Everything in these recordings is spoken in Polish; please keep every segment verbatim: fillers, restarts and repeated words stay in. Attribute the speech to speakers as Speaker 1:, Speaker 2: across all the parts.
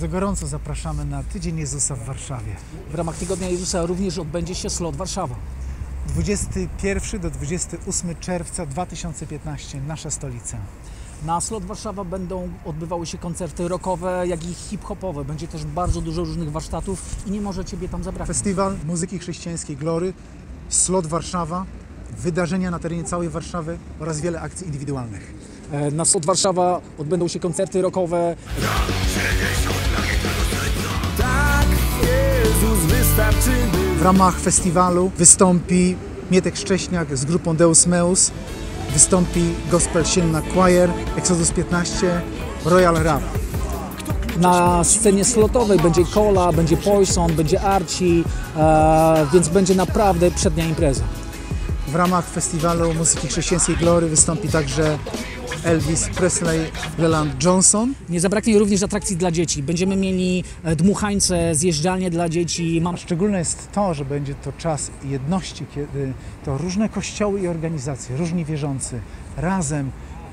Speaker 1: Bardzo gorąco zapraszamy na Tydzień Jezusa w Warszawie.
Speaker 2: W ramach Tygodnia Jezusa również odbędzie się Slot Warszawa.
Speaker 1: dwudziestego pierwszego do dwudziestego ósmego czerwca dwa tysiące piętnastego, nasza stolica.
Speaker 2: Na Slot Warszawa będą odbywały się koncerty rockowe, jak i hip-hopowe. Będzie też bardzo dużo różnych warsztatów i nie może Ciebie tam zabraknąć.
Speaker 1: Festiwal muzyki chrześcijańskiej Glory, Slot Warszawa, wydarzenia na terenie całej Warszawy oraz wiele akcji indywidualnych.
Speaker 2: Na Slot Warszawa odbędą się koncerty rockowe.
Speaker 3: Tak, Jezus wystarczy.
Speaker 1: W ramach festiwalu wystąpi Mietek Szcześniak z grupą Deus Meus, wystąpi Gospel Sienna Choir, Exodus piętnaście, Royal Rap.
Speaker 2: Na scenie slotowej będzie Kola, będzie Poison, będzie Archie, e, więc będzie naprawdę przednia impreza.
Speaker 1: W ramach festiwalu muzyki chrześcijańskiej Glory wystąpi także Elvis Presley, Leland Johnson.
Speaker 2: Nie zabraknie również atrakcji dla dzieci. Będziemy mieli dmuchańce, zjeżdżalnie dla dzieci. Mam...
Speaker 1: Szczególne jest to, że będzie to czas jedności, kiedy to różne kościoły i organizacje, różni wierzący razem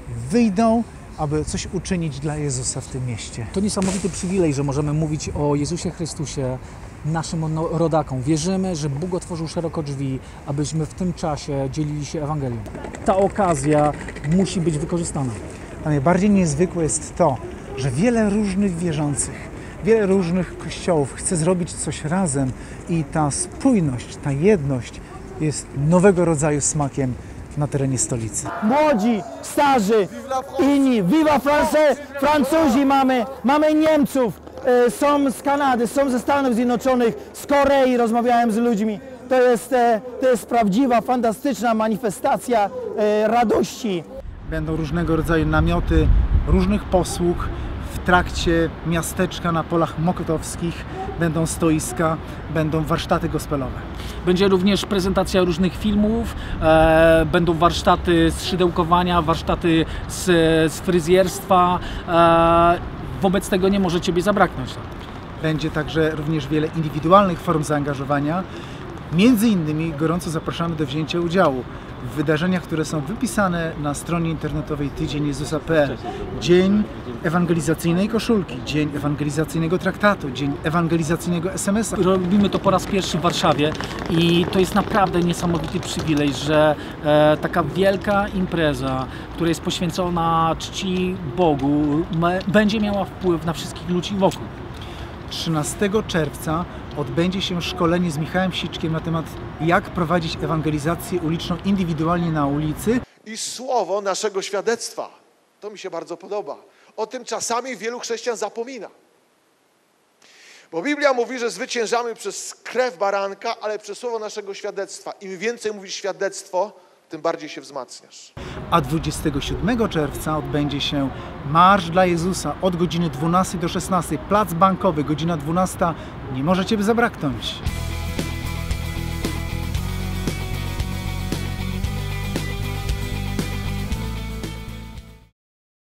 Speaker 1: wyjdą, aby coś uczynić dla Jezusa w tym mieście.
Speaker 2: To niesamowity przywilej, że możemy mówić o Jezusie Chrystusie naszym rodakom. Wierzymy, że Bóg otworzył szeroko drzwi, abyśmy w tym czasie dzielili się Ewangelią. Ta okazja musi być wykorzystana.
Speaker 1: A najbardziej niezwykłe jest to, że wiele różnych wierzących, wiele różnych kościołów chce zrobić coś razem i ta spójność, ta jedność jest nowego rodzaju smakiem na terenie stolicy.
Speaker 4: Młodzi, starzy, inni. Viva France! Francuzi mamy, mamy Niemców, e, są z Kanady, są ze Stanów Zjednoczonych, z Korei, rozmawiałem z ludźmi. To jest, e, to jest prawdziwa, fantastyczna manifestacja e, radości.
Speaker 1: Będą różnego rodzaju namioty, różnych posług. W trakcie miasteczka na polach mokotowskich będą stoiska, będą warsztaty gospelowe.
Speaker 2: Będzie również prezentacja różnych filmów, e, będą warsztaty z szydełkowania, warsztaty z, z fryzjerstwa. E, wobec tego nie może Ciebie zabraknąć.
Speaker 1: Będzie także również wiele indywidualnych form zaangażowania. Między innymi gorąco zapraszamy do wzięcia udziału w wydarzeniach, które są wypisane na stronie internetowej tydzień jezusa kropka p l. Dzień ewangelizacyjnej koszulki, dzień ewangelizacyjnego traktatu, dzień ewangelizacyjnego es em es a.
Speaker 2: Robimy to po raz pierwszy w Warszawie i to jest naprawdę niesamowity przywilej, że e, taka wielka impreza, która jest poświęcona czci Bogu, me, będzie miała wpływ na wszystkich ludzi wokół.
Speaker 1: trzynastego czerwca odbędzie się szkolenie z Michałem Siczkiem na temat, jak prowadzić ewangelizację uliczną indywidualnie na ulicy.
Speaker 5: I słowo naszego świadectwa. To mi się bardzo podoba. O tym czasami wielu chrześcijan zapomina. Bo Biblia mówi, że zwyciężamy przez krew baranka, ale przez słowo naszego świadectwa. Im więcej mówisz świadectwo, tym bardziej się wzmacniasz.
Speaker 1: A dwudziestego siódmego czerwca odbędzie się Marsz dla Jezusa od godziny dwunastej do szesnastej. Plac Bankowy, godzina dwunasta. Nie może Ciebie zabraknąć.